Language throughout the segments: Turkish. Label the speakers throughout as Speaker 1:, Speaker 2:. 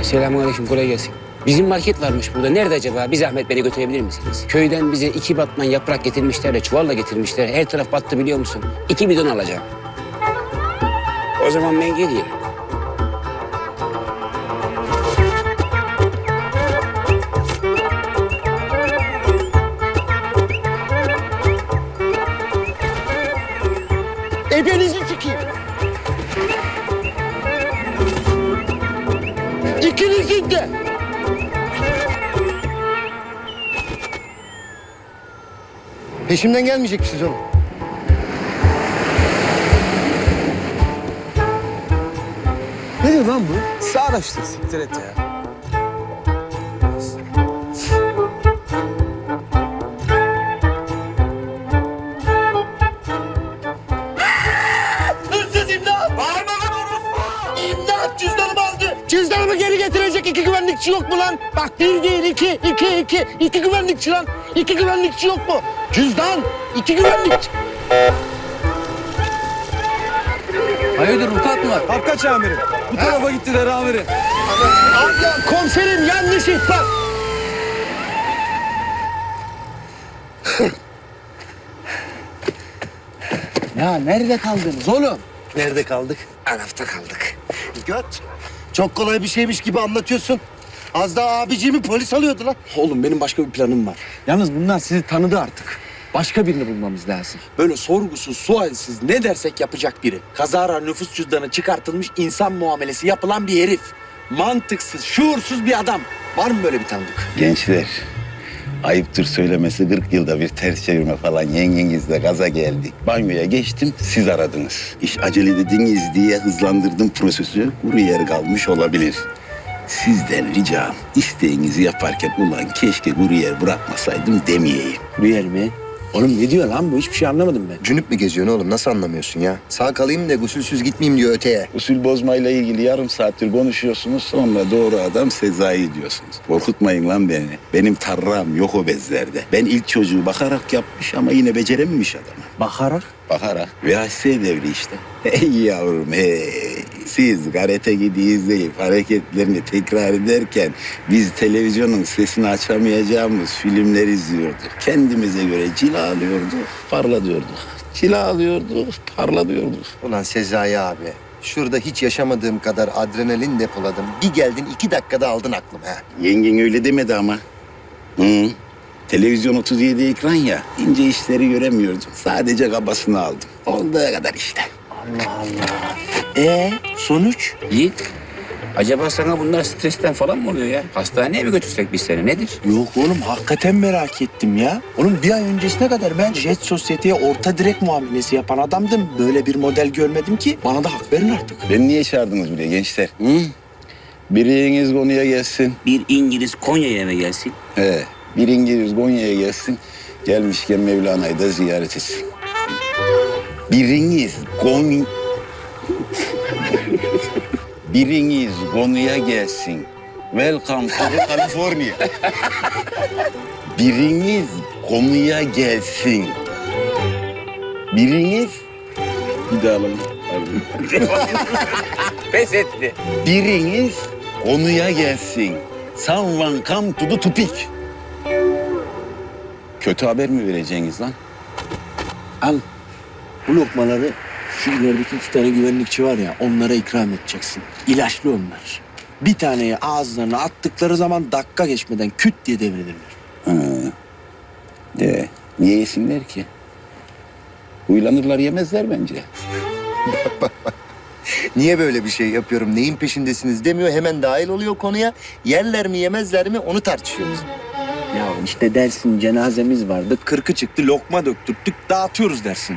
Speaker 1: Selamünaleyküm, kolay gelsin. Bizim market varmış burada. Nerede acaba? Bir zahmet beni götürebilir misiniz? Köyden bize 2 batman yaprak getirmişler de çuvalla getirmişler. Her taraf battı biliyor musun? 2 bidon alacağım. O zaman ben geleyim.
Speaker 2: Ebenizi sikeyim. İkinizin de. Peşimden gelmeyecek misiniz oğlum? Ne diyor lan bu?
Speaker 3: Sarhoştur, siktir et ya.
Speaker 2: Hırsız imdat! Bağırma lan orospu! İmdat! Cüzdanımı aldı! Cüzdanımı geri getirecek 2 güvenlikçi yok mu lan? Bak 1 değil 2, 2, 2. 2 güvenlikçi lan. 2 güvenlikçi yok mu? Cüzdan! 2 güvenlikçi.
Speaker 3: Hayırdır, vukuat mı var? Kapkaç amirim. Bu tarafa gittiler amirim.
Speaker 2: Abla komiserim yanlış ihbar.
Speaker 3: Ya nerede kaldınız oğlum?
Speaker 2: Nerede kaldık?
Speaker 1: Arafta kaldık.
Speaker 2: Göt. Çok kolay bir şeymiş gibi anlatıyorsun. Az daha abiciğimi polis alıyordu lan.
Speaker 3: Oğlum benim başka bir planım var. Yalnız bunlar sizi tanıdı artık. Başka birini bulmamız lazım. Böyle sorgusuz, sualsiz ne dersek yapacak biri. Kazara nüfus cüzdanı çıkartılmış insan muamelesi yapılan bir herif. Mantıksız, şuursuz bir adam. Var mı böyle bir tanıdık?
Speaker 4: Gençler, ayıptır söylemesi 40 yılda bir ters çevirme falan yengengizle gaza geldik. Banyoya geçtim, siz aradınız. İş acele dediniz diye hızlandırdım prosesi. Kuru yer kalmış olabilir. Sizden ricam isteğinizi yaparken ulan keşke kuru yer bırakmasaydım demeyeyim.
Speaker 3: Bu yer mi? Oğlum ne diyor lan bu? Hiçbir şey anlamadım ben.
Speaker 5: Cünüp mü geziyorsun oğlum? Nasıl anlamıyorsun ya? Sağ kalayım da gusülsüz gitmeyeyim diyor öteye.
Speaker 4: Usul bozmayla ilgili yarım saattir konuşuyorsunuz, sonra doğru adam Sezai diyorsunuz. Korkutmayın lan beni. Benim tarram yok o bezlerde. Ben ilk çocuğu bakarak yapmış ama yine becerememiş adamı.
Speaker 3: Bakarak.
Speaker 4: Bakarak. VHS devri işte. Hey yavrum hey. Siz karate Kid'i izleyip hareketlerini tekrar ederken biz televizyonun sesini açamayacağımız filmler izliyorduk. Kendimize göre cilalıyorduk, parladıyorduk. Cilalıyorduk, parladıyorduk.
Speaker 5: Ulan Sezai abi. Şurada hiç yaşamadığım kadar adrenalin depoladım. Bir geldin 2 dakikada aldın aklımı ha.
Speaker 4: Yengen öyle demedi ama. Hı. Televizyon 37 ekran ya. İnce işleri göremiyordum. Sadece kabasını aldım. Olduğu kadar işte.
Speaker 3: Sonuç?
Speaker 1: Yiğit, acaba sana bunlar stresten falan mı oluyor ya? Hastaneye mi götürsek biz seni? Nedir?
Speaker 3: Yok oğlum hakikaten merak ettim ya. Oğlum bir ay öncesine kadar ben Jet Sosyete'ye orta direkt muamelesi yapan adamdım. Böyle bir model görmedim ki. Bana da hak verin artık.
Speaker 4: Beni niye çağırdınız buraya gençler? Hı? Biriniz konuya gelsin.
Speaker 1: Bir İngiliz Konya'ya mı gelsin?
Speaker 4: Bir İngiliz Konya'ya gelsin. Gelmişken Mevlana'yı da ziyaret etsin. Biriniz konuya gelsin. Welcome to California. Biriniz konuya gelsin. Biriniz... Bir daha alalım.
Speaker 1: Pes etti.
Speaker 4: Biriniz konuya gelsin. Someone come to the topic. Kötü haber mi vereceksiniz lan?
Speaker 3: Al. Bu lokmaları şu ilerideki 2 tane güvenlikçi var ya onlara ikram edeceksin. İlaçlı onlar. Bir taneyi ağızlarına attıkları zaman dakika geçmeden küt diye devrilirler.
Speaker 4: Niye yesinler ki? Huylanırlar yemezler bence.
Speaker 5: Niye böyle bir şey yapıyorum? Neyin peşindesiniz demiyor. Hemen dahil oluyor konuya. Yerler mi yemezler mi onu tartışıyoruz.
Speaker 3: Ya işte dersin cenazemiz vardı. 40'ı çıktı lokma döktürttük dağıtıyoruz dersin.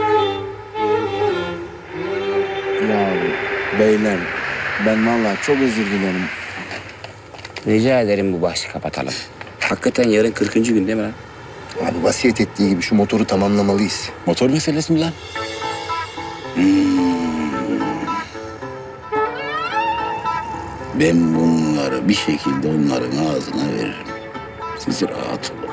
Speaker 3: Ya beyler ben vallahi çok özür dilerim.
Speaker 1: Rica ederim bu bahsi kapatalım. Hakikaten yarın 40. gün değil mi lan?
Speaker 5: Abi vasiyet ettiği gibi şu motoru tamamlamalıyız.
Speaker 4: Motor meselesi mi lan? Ben bunları bir şekilde onların ağzına veririm. Siz rahat olun.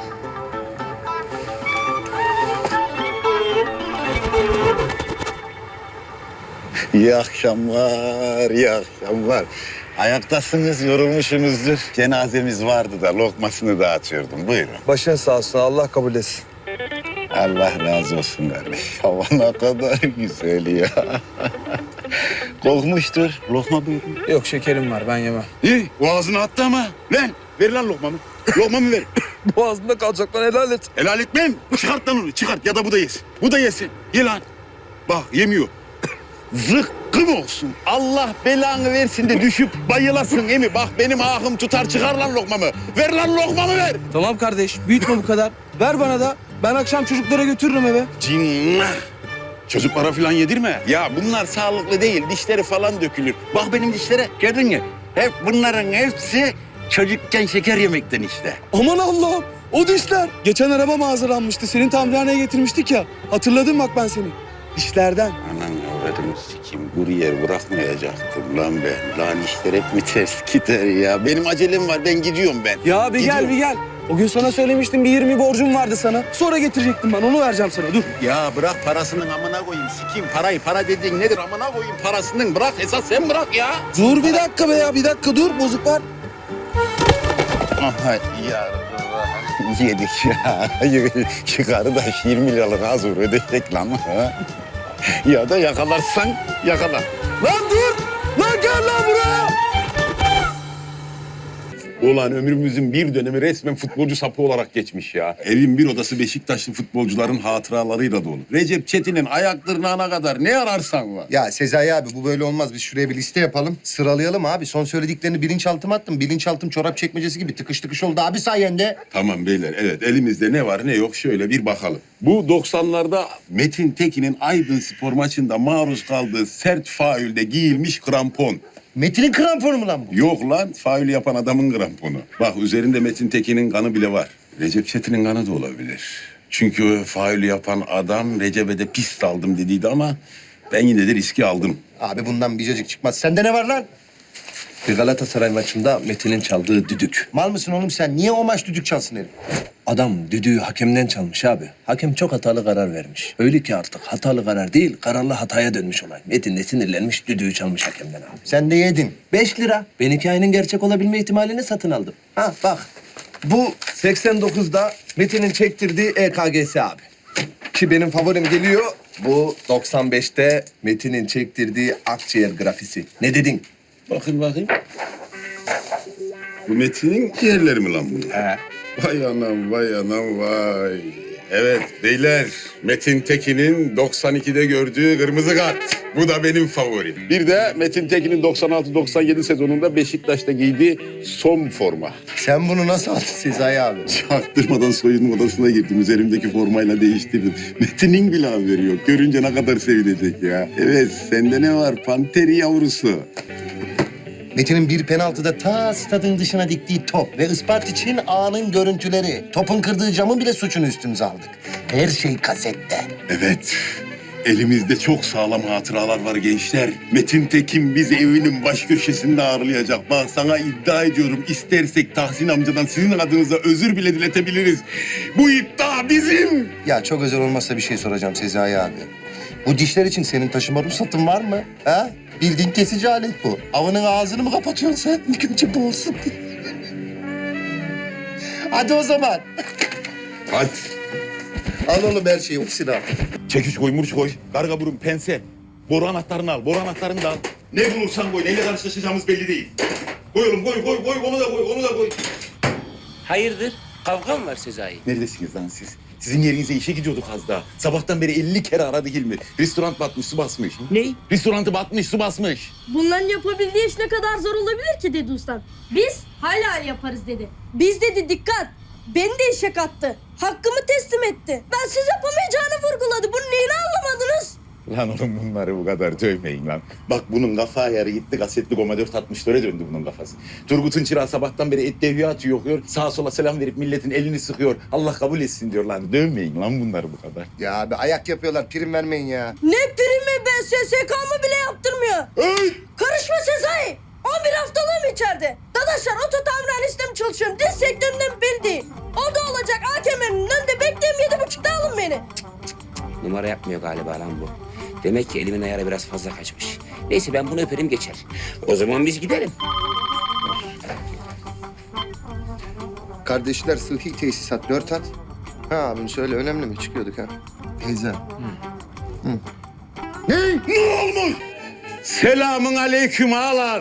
Speaker 4: İyi akşamlar, iyi akşamlar. Ayaktasınız, yorulmuşsunuzdur. Cenazemiz vardı da lokmasını dağıtıyordum. Buyurun.
Speaker 6: Başın sağ olsun. Allah kabul etsin.
Speaker 4: Allah razı olsun kardeş. Hava ne kadar güzel ya. Kokmuştur. Lokma buyurun.
Speaker 6: Yok şekerim var. Ben yemem.
Speaker 4: İyi, boğazına attı ama. Lan, ver lan lokmamı. Lokmamı ver.
Speaker 6: Boğazımda kalacak lan, helal et.
Speaker 4: Helal etmem. Çıkart lan onu, çıkart. Ya da bu da yesin. Bu da yesin. Ye lan. Bak, yemiyor. Zıkkım olsun. Allah belanı versin de düşüp bayılasın emi. Bak benim ahım tutar, çıkar lan lokmamı. Ver lan lokmamı ver.
Speaker 6: Tamam kardeş, büyütme bu kadar. Ver bana da. Ben akşam çocuklara götürürüm eve.
Speaker 4: Cinnah. Çocuklara falan yedirme. Ya bunlar sağlıklı değil. Dişleri falan dökülür. Bak benim dişlere. Gördün mü? Hep bunların hepsi çocukken şeker yemekten işte.
Speaker 6: Aman Allah'ım, o dişler. Geçen araba hazırlanmıştı. Senin tamirhaneye getirmiştik ya. Hatırladım bak ben seni. Dişlerden.
Speaker 4: Anan avradını sikeyim. Kuryer bırakmayacaktım lan ben. Lan işler hep mi ters gider ya? Benim acelem var. Ben gidiyorum ben.
Speaker 6: Ya bir
Speaker 4: Gidiyorum.
Speaker 6: gel, bir gel. O gün sana söylemiştim, bir 20 borcum vardı sana. Sonra getirecektim ben, onu vereceğim sana. Dur.
Speaker 4: Ya bırak parasının amına koyayım. Sikeyim parayı. Para dediğin nedir amına koyayım parasının. Bırak esas sen bırak ya.
Speaker 6: Dur bir dakika be ya, bir dakika dur. Bozuk var.
Speaker 4: Aha ya yedik ya. Şu kardeş 20 liralık az ödeyecek lan. Ha? Ya da yakalarsan yakala.
Speaker 6: Lan dur! Lan gel lan buraya!
Speaker 7: Ulan ömrümüzün bir dönemi resmen futbolcu sapı olarak geçmiş ya. Evin bir odası Beşiktaşlı futbolcuların hatıralarıyla dolu. Recep Çetin'in ayak tırnağına kadar ne ararsan var.
Speaker 5: Ya Sezai abi bu böyle olmaz. Biz şuraya bir liste yapalım. Sıralayalım abi. Son söylediklerini bilinçaltıma attım. Bilinçaltım çorap çekmecesi gibi tıkış tıkış oldu abi sayende.
Speaker 7: Tamam beyler, evet elimizde ne var ne yok şöyle bir bakalım. Bu 90'larda Metin Tekin'in Aydın Spor maçında maruz kaldığı sert faulde giyilmiş krampon.
Speaker 5: Metin'in kramponu mu lan bu?
Speaker 7: Yok lan, faul yapan adamın kramponu. Bak üzerinde Metin Tekin'in kanı bile var. Recep Çetin'in kanı da olabilir. Çünkü faul yapan adam Recep'e de pist aldım dediydi ama ben yine de riski aldım.
Speaker 5: Abi bundan bir cacık çıkmaz. Sende ne var lan?
Speaker 8: Bir Galatasaray maçında Metin'in çaldığı düdük.
Speaker 5: Mal mısın oğlum sen? Niye o maç düdük çalsın herif?
Speaker 8: Adam düdüğü hakemden çalmış abi. Hakem çok hatalı karar vermiş. Öyle ki artık hatalı karar değil, kararlı hataya dönmüş olay. Metin de sinirlenmiş, düdüğü çalmış hakemden abi.
Speaker 5: Sen de yedin.
Speaker 8: 5 lira. Ben hikayenin gerçek olabilme ihtimalini satın aldım. Ha bak, bu 89'da Metin'in çektirdiği EKG'si abi. Ki benim favorim geliyor. Bu 95'te Metin'in çektirdiği akciğer grafisi. Ne dedin?
Speaker 7: Bakayım. Bu Metin'in ciğerleri mi lan bunlar? Vay anam, vay anam, vay. Evet beyler, Metin Tekin'in 92'de gördüğü kırmızı kart. Bu da benim favorim. Bir de Metin Tekin'in 96-97 sezonunda Beşiktaş'ta giydiği son forma.
Speaker 5: Sen bunu nasıl aldın Sezai abi?
Speaker 7: Çaktırmadan soyunma odasına girdim. Üzerimdeki formayla değiştirdim. Metin'in bile haberi yok. Görünce ne kadar sevinecek ya. Evet, sende ne var? Panteri yavrusu.
Speaker 5: Metin'in bir penaltıda ta stadın dışına diktiği top ve Isparta için anın görüntüleri. Topun kırdığı camın bile suçunu üstümüze aldık. Her şey kasette.
Speaker 7: Evet. Elimizde çok sağlam hatıralar var gençler. Metin Tekin bizi evinin baş köşesinde ağırlayacak. Bak sana iddia ediyorum. İstersek Tahsin amcadan sizin adınıza özür bile diletebiliriz. Bu iddia bizim.
Speaker 5: Ya çok özel olmazsa bir şey soracağım Sezai abi. Bu dişler için senin taşıma ruhsatın var mı? Ha? Bildiğin kesici alet bu. Avının ağzını mı kapatıyorsun sen? İlk önce bu olsun. Hadi o zaman.
Speaker 7: Hadi.
Speaker 5: Al oğlum her şeyi. Hepsini al.
Speaker 7: Çekiç koy, murç koy. Karga burun, pense. Boru anahtarını al, boru anahtarını da al. Ne bulursan koy, neyle karşılaşacağımız belli değil. Koy oğlum, koy, onu da koy, onu da koy.
Speaker 1: Hayırdır? Kavga mı var Sezai?
Speaker 7: Neredesiniz lan siz? Sizin yerinize işe gidiyorduk az daha. Sabahtan beri 50 kere aradı Hilmi. Restoran batmış, su basmış.
Speaker 1: Ne?
Speaker 7: Restorantı batmış, su basmış.
Speaker 9: Bunların yapabildiği iş ne kadar zor olabilir ki dedi ustam. Biz hala yaparız dedi. Biz dedi dikkat. Beni de işe kattı. Hakkımı teslim etti. Ben siz yapamayacağını vurguladı. Bunun neyini anlamadınız?
Speaker 7: Lan oğlum bunları bu kadar dövmeyin lan. Bak bunun kafa ayarı gitti, kasetli Goma 464'e döndü bunun kafası. Turgut'un çırağı sabahtan beri et devya atıyor, okuyor. Sağa sola selam verip milletin elini sıkıyor. Allah kabul etsin diyor lan. Dövmeyin lan bunları bu kadar.
Speaker 5: Ya abi ayak yapıyorlar. Prim vermeyin ya.
Speaker 9: Ne primi ben SSK'mı bile yaptırmıyor. Karışma Sezai. 11 haftalığım içeride. Dadaşlar oto tamirhane sistemi çalışıyorum. Diz sektöründen beni değil. O da olacak AKM'nin önünde bekleyeyim 7.30'da alın beni.
Speaker 1: Numara yapmıyor galiba lan bu. Demek ki elimin ayarı biraz fazla kaçmış. Neyse ben bunu öperim geçer. O zaman biz gidelim.
Speaker 5: Kardeşler sıhhi tesisat 4 at. Ha abim söyle önemli mi? Çıkıyorduk ha. Teyze.
Speaker 7: Selamun aleyküm ağalar.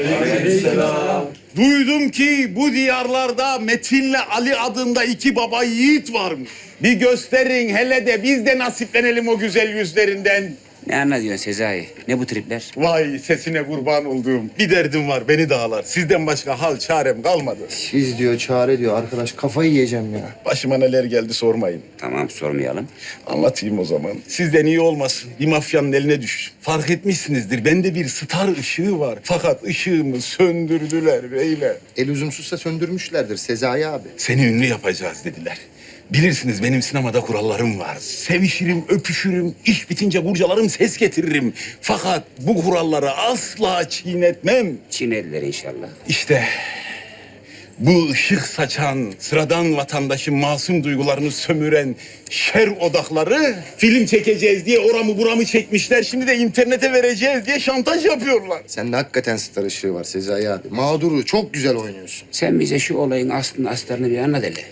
Speaker 7: Duydum ki bu diyarlarda Metin'le Ali adında iki baba yiğit varmış. Bir gösterin hele de biz de nasiplenelim o güzel yüzlerinden.
Speaker 1: Ne anlatıyorsun Sezai? Ne bu tripler?
Speaker 7: Vay sesine kurban olduğum. Bir derdim var beni dağlar. Sizden başka hal çarem kalmadı.
Speaker 5: Siz diyor çare diyor arkadaş kafayı yiyeceğim ya.
Speaker 7: Başıma neler geldi sormayın.
Speaker 1: Tamam sormayalım.
Speaker 7: Anlatayım o zaman. Sizden iyi olmasın. Bir mafyanın eline düş. Fark etmişsinizdir. Bende bir star ışığı var. Fakat ışığımı söndürdüler beyler.
Speaker 5: El üzümsüzse söndürmüşlerdir Sezai abi.
Speaker 7: Seni ünlü yapacağız dediler. Bilirsiniz benim sinemada kurallarım var. Sevişirim, öpüşürüm, iş bitince kurcalarım, ses getiririm. Fakat bu kuralları asla çiğnetmem.
Speaker 1: Çineliler inşallah.
Speaker 7: İşte bu ışık saçan, sıradan vatandaşın masum duygularını sömüren şer odakları film çekeceğiz diye oramı buramı çekmişler. Şimdi de internete vereceğiz diye şantaj yapıyorlar.
Speaker 5: Sende hakikaten star ışığı var Sezai abi. Mağduru çok güzel oynuyorsun.
Speaker 1: Sen bize şu olayın aslını astarını bir anlat hele.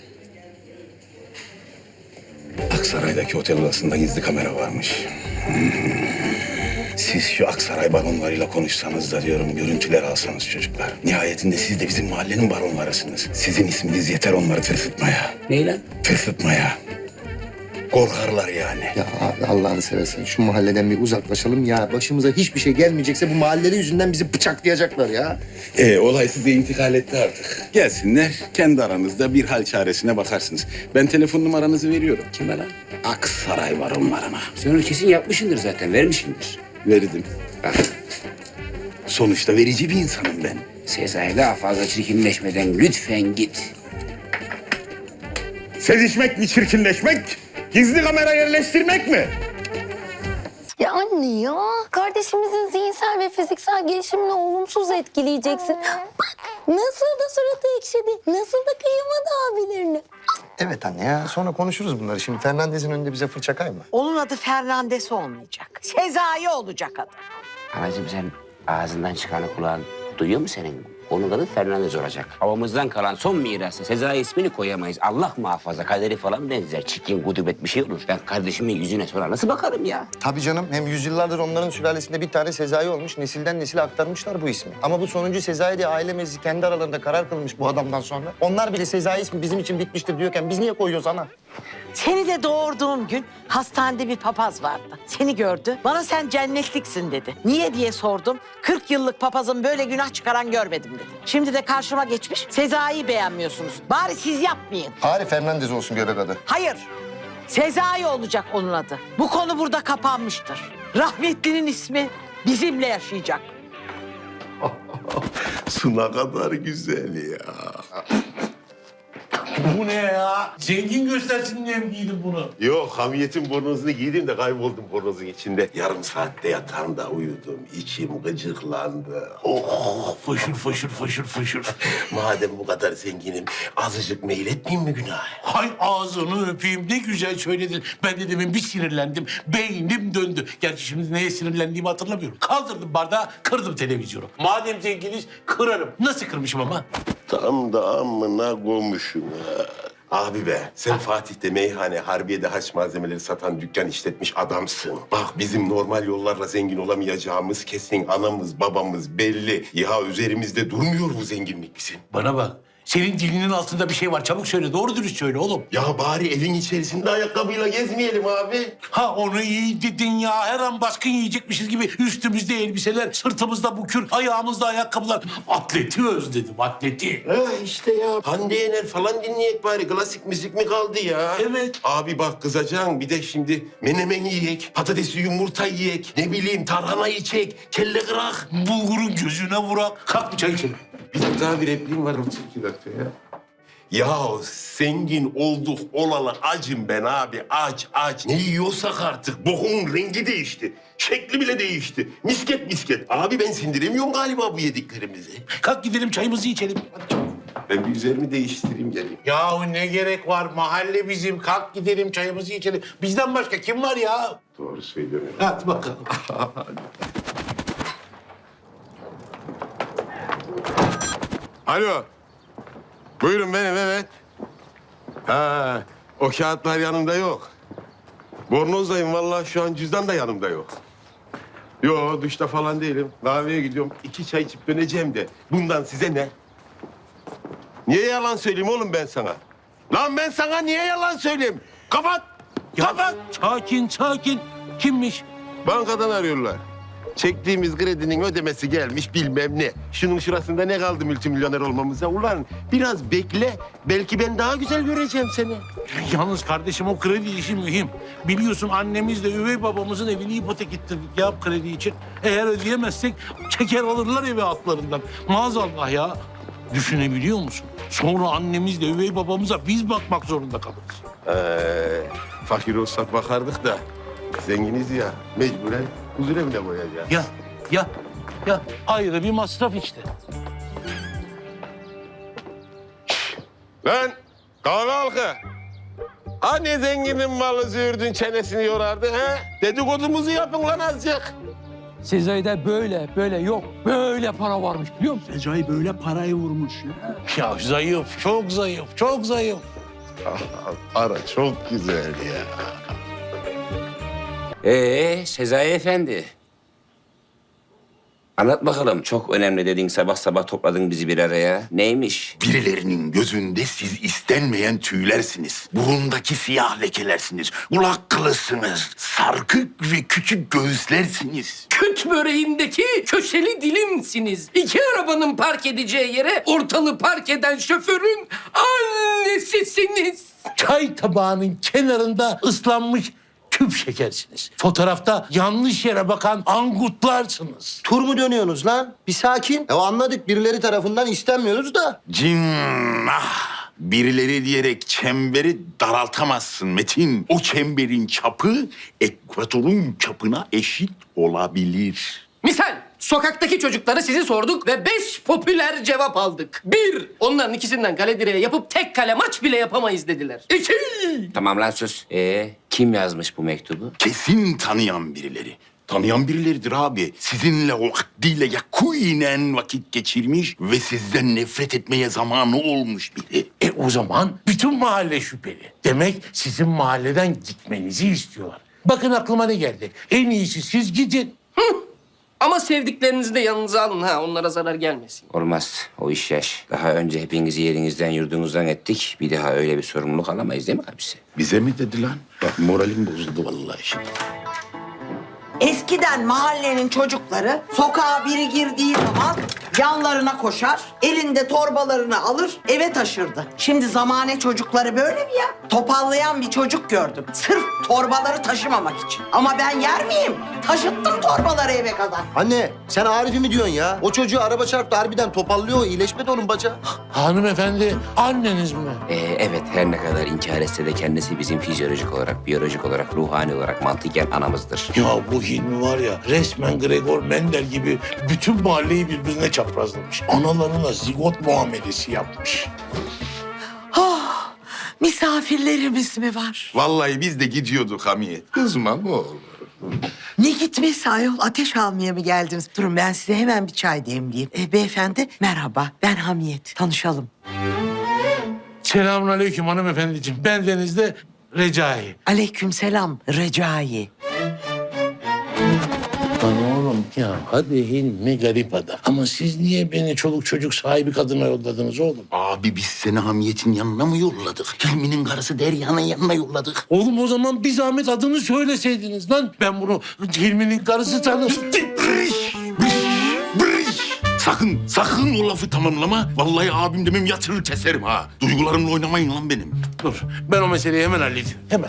Speaker 7: Aksaray'daki otel odasında gizli kamera varmış. Siz şu Aksaray baronlarıyla konuşsanız da diyorum görüntüler alsanız çocuklar. Nihayetinde siz de bizim mahallenin baronlarısınız. Sizin isminiz yeter onları tırsıtmaya.
Speaker 1: Ney lan?
Speaker 7: Tırsıtmaya. Korkarlar yani.
Speaker 5: Ya abi Allah'ını seversen şu mahalleden bir uzaklaşalım ya. Başımıza hiçbir şey gelmeyecekse bu mahallenin yüzünden bizi bıçaklayacaklar ya.
Speaker 7: Olay size intikal etti artık. Gelsinler kendi aranızda bir hal çaresine bakarsınız. Ben telefon numaranızı veriyorum.
Speaker 1: Kime lan?
Speaker 7: Aksaray baronlarına.
Speaker 1: Sen onu kesin yapmışsındır zaten, vermişsindir.
Speaker 7: Verdim.
Speaker 1: Bak,
Speaker 7: Sonuçta verici bir insanım ben.
Speaker 1: Sezai daha fazla çirkinleşmeden lütfen git.
Speaker 7: Sezişmek mi çirkinleşmek? Gizli kamera yerleştirmek mi?
Speaker 10: Ya anne ya, kardeşimizin zihinsel ve fiziksel gelişimini olumsuz etkileyeceksin. Bak nasıl da suratı ekşidi, nasıl da kıyamadı abilerini.
Speaker 5: Evet anne ya sonra konuşuruz bunları. Şimdi Fernandez'in önünde bize fırça kayma.
Speaker 11: Onun adı Fernandes olmayacak. Sezai olacak adı.
Speaker 1: Anacığım sen ağzından çıkanı kulağın duyuyor mu senin? Onun adı Fernandez olacak. Babamızdan kalan son mirası. Sezai ismini koyamayız. Allah muhafaza kaderi falan benzer. Çirkin, gudubet bir şey olur. Ben kardeşimin yüzüne sonra nasıl bakarım ya?
Speaker 5: Tabii canım. Hem yüzyıllardır onların sülalesinde bir tane Sezai olmuş. Nesilden nesile aktarmışlar bu ismi. Ama bu sonuncu Sezai diye aile meclisi kendi aralarında karar kılmış bu adamdan sonra. Onlar bile Sezai ismi bizim için bitmiştir diyorken biz niye koyuyoruz ana?
Speaker 11: Seni de doğurduğum gün hastanede bir papaz vardı. Seni gördü. Bana sen cennetliksin dedi. Niye diye sordum. 40 yıllık papazın böyle günah çıkaran görmedim dedi. Şimdi de karşıma geçmiş. Sezai'yi beğenmiyorsunuz. Bari siz yapmayın.
Speaker 5: Bari Fernandez olsun göbek adı.
Speaker 11: Hayır. Sezai olacak onun adı. Bu konu burada kapanmıştır. Rahmetlinin ismi bizimle yaşayacak.
Speaker 7: Su ne kadar güzel ya.
Speaker 12: Bu ne ya? Zengin göstersin diye mi giydin bunu?
Speaker 7: Yok, hamiyetin bornozunu giydim de kayboldum bornozun içinde. Yarım saatte yatağımda uyudum. İçim gıcıklandı.
Speaker 12: Oh, fışır fışır fışır fışır.
Speaker 7: Madem bu kadar zenginim, azıcık meyil etmeyeyim mi günaha?
Speaker 12: Hay ağzını öpeyim, ne güzel söyledin. Ben de demin bir sinirlendim, beynim döndü. Gerçi şimdi neye sinirlendiğimi hatırlamıyorum. Kaldırdım bardağı, kırdım televizyonu. Madem zenginiz, kırarım. Nasıl kırmışım ama?
Speaker 7: Tam da amına koymuşum ha. Abi be, sen Fatih'te meyhane, Harbiye'de haç malzemeleri satan dükkan işletmiş adamsın. Bak bizim normal yollarla zengin olamayacağımız kesin, anamız babamız belli. Ya üzerimizde durmuyor bu zenginlik bizim.
Speaker 12: Bana bak, senin dilinin altında bir şey var. Çabuk söyle, doğru dürüst söyle oğlum.
Speaker 7: Ya bari evin içerisinde ayakkabıyla gezmeyelim abi.
Speaker 12: Ha onu iyi dedin ya. Her an baskın yiyecekmişiz gibi üstümüzde elbiseler, sırtımızda bukür, ayağımızda ayakkabılar. Atleti özledim, atleti.
Speaker 7: Ha işte ya. Hande Yener falan dinleyek bari. Klasik müzik mi kaldı ya?
Speaker 12: Evet.
Speaker 7: Abi bak kızacaksın. Bir de şimdi menemen yiyek, patatesli yumurta yiyek, ne bileyim tarhana yiyecek, kelle kırak.
Speaker 12: Bulgurun gözüne vurak. Kalk bir çay içelim.
Speaker 7: Bizim daha bir repliğim var. 32 dakika ya. Ya zengin olduk olalı acım ben abi. Aç. Ne yiyorsak artık. Bokun rengi değişti. Şekli bile değişti. Misket misket. Abi ben sindiremiyorum galiba bu yediklerimizi.
Speaker 12: Kalk gidelim çayımızı içelim. Hadi çabuk.
Speaker 7: Ben bir üzerimi değiştireyim geleyim.
Speaker 12: Yahu ne gerek var? Mahalle bizim. Kalk gidelim çayımızı içelim. Bizden başka kim var ya?
Speaker 7: Doğru söylüyorum.
Speaker 12: Hadi bakalım.
Speaker 7: Alo. Buyurun benim, evet. Ha, o kağıtlar yanımda yok. Bornozdayım vallahi, şu an cüzdan da yanımda yok. Yo, duşta falan değilim. Kahveye gidiyorum. 2 çay içip döneceğim de. Bundan size ne? Niye yalan söyleyeyim oğlum ben sana? Lan ben sana niye yalan söyleyeyim? Kapat! Kapat!
Speaker 12: Sakin sakin. Kimmiş?
Speaker 7: Bankadan arıyorlar. Çektiğimiz kredinin ödemesi gelmiş bilmem ne. Şunun şurasında ne kaldı multimilyoner olmamıza? Ulan biraz bekle. Belki ben daha güzel göreceğim seni.
Speaker 12: Yalnız kardeşim o kredi işi mühim. Biliyorsun annemizle üvey babamızın evini ipotek ettirdik ya kredi için. Eğer ödeyemezsek çeker alırlar evi altlarından. Maazallah ya. Düşünebiliyor musun? Sonra annemizle üvey babamıza biz bakmak zorunda kalırız.
Speaker 7: Fakir olsak bakardık da zenginiz ya. Mecburen huzur evine koyacağız.
Speaker 12: Ya ayrı bir masraf işte.
Speaker 7: Lan kahve halkı. Hani zenginin malı züğürdün çenesini yorardı ha? Dedikodumuzu yapın lan azıcık.
Speaker 13: Sezai'de böyle yok. Böyle para varmış biliyor musun?
Speaker 6: Recai böyle parayı vurmuş ya.
Speaker 12: Ya zayıf, çok zayıf, çok zayıf.
Speaker 7: Para çok güzel ya.
Speaker 1: Sezai Efendi. Anlat bakalım. Çok önemli dedin, sabah sabah topladın bizi bir araya. Neymiş?
Speaker 4: Birilerinin gözünde siz istenmeyen tüylersiniz. Burundaki siyah lekelersiniz. Kulak kılısınız. Sarkık ve küçük göğüslersiniz.
Speaker 13: Küt böreğindeki köşeli dilimsiniz. İki arabanın park edeceği yere ortalığı park eden şoförün annesisiniz.
Speaker 12: Çay tabağının kenarında ıslanmış küp şekersiniz. Fotoğrafta yanlış yere bakan angutlarsınız.
Speaker 5: Tur mu dönüyorsunuz lan? Bir sakin. Ya anladık, birileri tarafından istenmiyoruz da.
Speaker 4: Cinnah! Birileri diyerek çemberi daraltamazsın Metin. O çemberin çapı ekvatorun çapına eşit olabilir.
Speaker 13: Misal sokaktaki çocuklara sizi sorduk ve 5 popüler cevap aldık. 1. Onların ikisinden kale direğe yapıp tek kale maç bile yapamayız dediler. 2.
Speaker 1: Tamam lan sus. Kim yazmış bu mektubu?
Speaker 4: Kesin tanıyan birileri. Tanıyan birileridir abi. Sizinle vaktiyle yakinen vakit geçirmiş ve sizden nefret etmeye zamanı olmuş biri.
Speaker 12: O zaman bütün mahalle şüpheli. Demek sizin mahalleden gitmenizi istiyorlar. Bakın aklıma ne geldi. En iyisi siz gidin.
Speaker 13: Ama sevdiklerinizi de yanınıza alın ha, onlara zarar gelmesin.
Speaker 1: Olmaz. O iş yaş. Daha önce hepinizi yerinizden yurdunuzdan ettik. Bir daha öyle bir sorumluluk alamayız değil mi abisi?
Speaker 4: Bize mi dedi lan? Bak moralim bozuldu vallahi şimdi.
Speaker 11: Eskiden mahallenin çocukları sokağa biri girdiği zaman yanlarına koşar, elinde torbalarını alır, eve taşırdı. Şimdi zamane çocukları böyle mi ya? Topallayan bir çocuk gördüm. Sırf torbaları taşımamak için. Ama ben yer miyim? Taşıttım torbaları eve kadar.
Speaker 5: Anne, sen Arif'i mi diyorsun ya? O çocuğu araba çarptı, harbiden topallıyor. İyileşmedi onun bacağı.
Speaker 12: Hanımefendi anneniz mi?
Speaker 1: Evet, her ne kadar inkar etse de kendisi bizim fizyolojik olarak, biyolojik olarak, ruhani olarak, mantıken anamızdır.
Speaker 12: Ya bu Hilmi var ya resmen Gregor Mendel gibi bütün mahalleyi birbirine çaprazlamış. Analarına zigot muamelesi yapmış.
Speaker 11: Oh, misafirlerimiz mi var?
Speaker 4: Vallahi biz de gidiyorduk Hamiyet. Kızma ne olur.
Speaker 11: Ne gitmesi ayol? Ateş almaya mı geldiniz? Durun ben size hemen bir çay demleyeyim. Beyefendi merhaba, ben Hamiyet. Tanışalım.
Speaker 12: Selamünaleyküm hanımefendiciğim. Ben Deniz'de Recai.
Speaker 11: Aleykümselam Recai.
Speaker 12: Lan oğlum ya hadi Hilmi garip adam. Ama siz niye beni çoluk çocuk sahibi kadına yolladınız oğlum?
Speaker 4: Abi biz seni Hamiyet'in yanına mı yolladık? Hilmi'nin karısı Derya'nın yanına yolladık.
Speaker 12: Oğlum o zaman bir zahmet adını söyleseydiniz lan. Ben bunu Hilmi'nin karısı tanırım.
Speaker 4: Sakın o lafı tamamlama. Vallahi abim demem yatırır keserim ha. Duygularımla oynamayın lan benim.
Speaker 12: Dur ben o meseleyi hemen halledeyim. Hemen.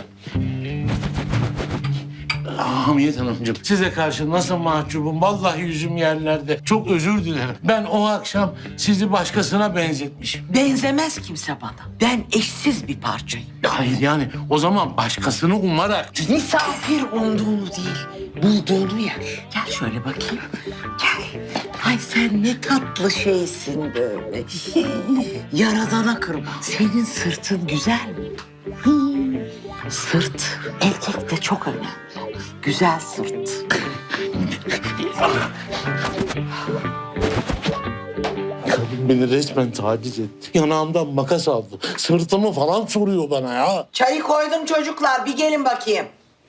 Speaker 12: Hamiyet Hanımcığım, size karşı nasıl mahcubum. Vallahi yüzüm yerlerde. Çok özür dilerim. Ben o akşam sizi başkasına benzetmişim.
Speaker 11: Benzemez kimse bana. Ben eşsiz bir parçayım.
Speaker 12: Hayır yani o zaman başkasını umarak...
Speaker 11: Misafir umduğunu değil, bulduğunu yer. Gel şöyle bakayım. Gel. Ay sen ne tatlı şeysin böyle. Yaradana kırma. Senin sırtın güzel mi? Sırt erkekte çok önemli. Güzel sırt.
Speaker 12: Kadın Beni resmen taciz etti. Yanağımdan makas aldı. Sırtımı falan soruyor bana ya.
Speaker 11: Çayı koydum çocuklar. Bir gelin bakayım.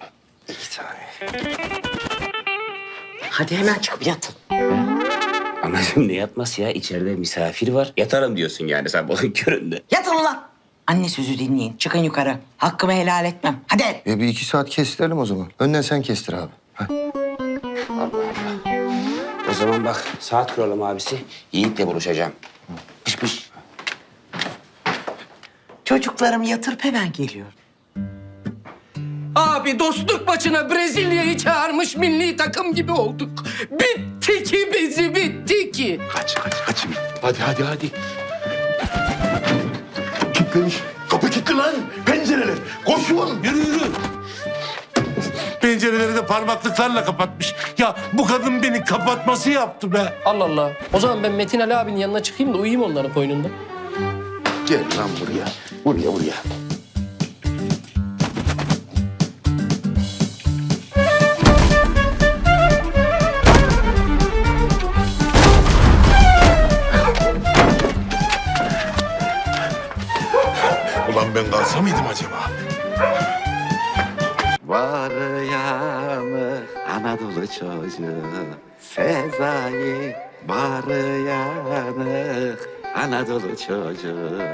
Speaker 11: Hadi hemen çıkıp yatın.
Speaker 1: Anacığım ne yatması ya? İçeride misafir var. Yatarım diyorsun yani sabahın köründe.
Speaker 11: Yatın ulan. Anne sözü dinleyin. Çıkın yukarı. Hakkımı helal etmem. Hadi.
Speaker 5: Bir 2 saat kestirelim o zaman. Önden sen kestir abi.
Speaker 1: O zaman bak saat kuralım abisi. Yiğit'le buluşacağım. Pış pış.
Speaker 11: Çocuklarımı yatırıp hemen geliyorum.
Speaker 13: Abi dostluk maçına Brezilya'yı çağırmış milli takım gibi olduk. Bitti ki bizi bitti ki.
Speaker 7: Kaçın. Hadi. Kilitlemiş. Kapı kilitli lan. Pencereler. Koşun.
Speaker 12: Yürü. Pencereleri de parmaklıklarla kapatmış. Ya bu kadın beni kapatması yaptı be.
Speaker 13: Allah Allah. O zaman ben Metin Ali abinin yanına çıkayım da uyuyayım onların koynunda.
Speaker 7: Gel lan buraya. Buraya. Ulan ben kalsa mıydım acaba?
Speaker 4: Var yanı Anadolu çocuğu Sezai var yanı Anadolu çocuğu